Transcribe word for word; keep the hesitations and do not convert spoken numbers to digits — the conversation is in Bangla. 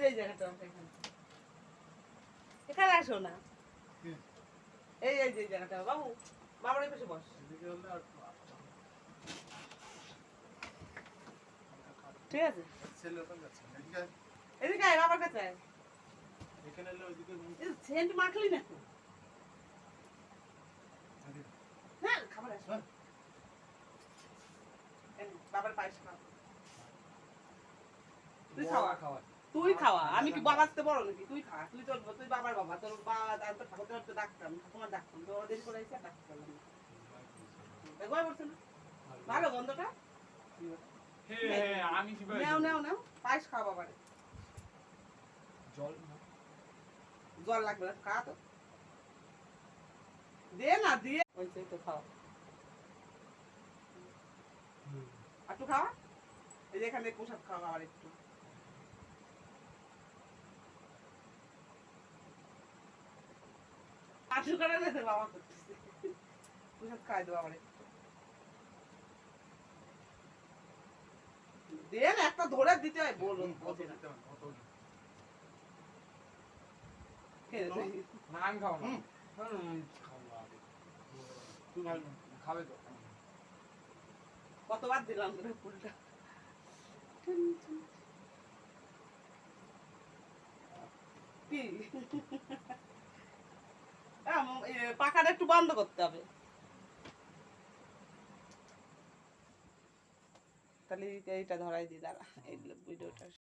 যে এই জায়গাটা এখানে এখানে আসো না এই এই যে জায়গাটা বাবু বাবার পাশে বস ঠিক আছে এদিকে আয় বাবার কাছে আয় এখানে এলে ওইদিকে সেন্ট মাখলি না তো হ্যাঁ খাবার আসো বাবার পায়েস খাও তুই খাওয়া খাওয়া তুই খাওয়া আমি কি বাবাতে বড় নাকি তুই খা তুই তোর তুই বাবার বাবা তোর বাবা তোর ঠাকুর তোর তো ডাক্তার তোমার ডাক্তার তো ওদের করে এসে ডাক্তার করলাম দেখো বলছে না ভালো গন্ধটা হ্যাঁ আমি কি নাও নাও নাও পায়েস খাওয়া বাবারে জল জল লাগবে না খা তো দে না দিয়ে ওই তো খাওয়া একটু খাওয়া এই যে এখানে পোশাক খাওয়া আর একটু আটু করে নেছে বাবা করতেছে পোশাক খাই দেবো আবার একটু দে না একটা ধরে দিতে হয় বলুন বোঝে না না আমি খাবো না তুই ভাই খাবে তো কতবার দিলাম তোর ফুলটা কি পাখাটা একটু বন্ধ করতে হবে তাহলে এইটা ধরাই দিই দাঁড়া এই ভিডিওটা